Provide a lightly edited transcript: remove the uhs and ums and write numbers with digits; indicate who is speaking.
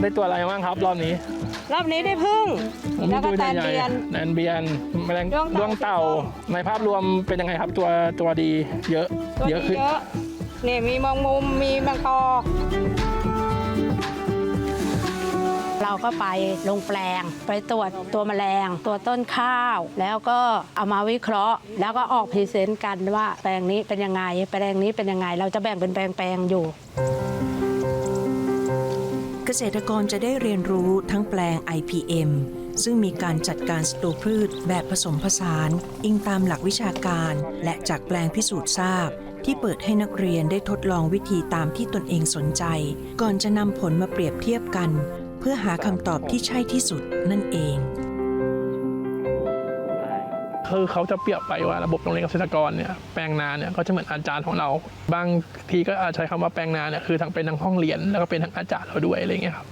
Speaker 1: ได้ตัวอะไรบ้างครับรอบนี้
Speaker 2: ได้พึ่งแล้วก็แตนเบียน
Speaker 1: แมลงดวงเต่าในภาพรวมเป็นยังไงครับตัวดีเยอะขึ้น
Speaker 2: นี่มีมองมุมมีแมงปอเราก็ไปลงแปลงไปตรวจตัวแมลงตัวต้นข้าวแล้วก็เอามาวิเคราะห์แล้วก็ออกพรีเซนต์กันว่าแปลงนี้เป็นยังไงแปลงนี้เป็นยังไงเราจะแบ่งเป็นแปลงอยู่
Speaker 3: เกษตรกรจะได้เรียนรู้ทั้งแปลง IPM ซึ่งมีการจัดการศัตรูพืชแบบผสมผสานอิงตามหลักวิชาการและจากแปลงพิสูจน์ทราบที่เปิดให้นักเรียนได้ทดลองวิธีตามที่ตนเองสนใจก่อนจะนำผลมาเปรียบเทียบกันเพื่อหาคำตอบที่ใช่ที่สุดนั่นเอง
Speaker 1: คือเขาจะเปรียบไปว่าระบบโรงเรียนเกษตรกรเนี่ยแปลงนาเนี่ยก็จะเหมือนอาจารย์ของเราบางทีก็อาจใช้คำว่าแปลงนาเนี่ยคือทั้งเป็นทั้งห้องเรียนแล้วก็เป็นทั้งอาจารย์เราด้วยอะไรเงี้ยครับ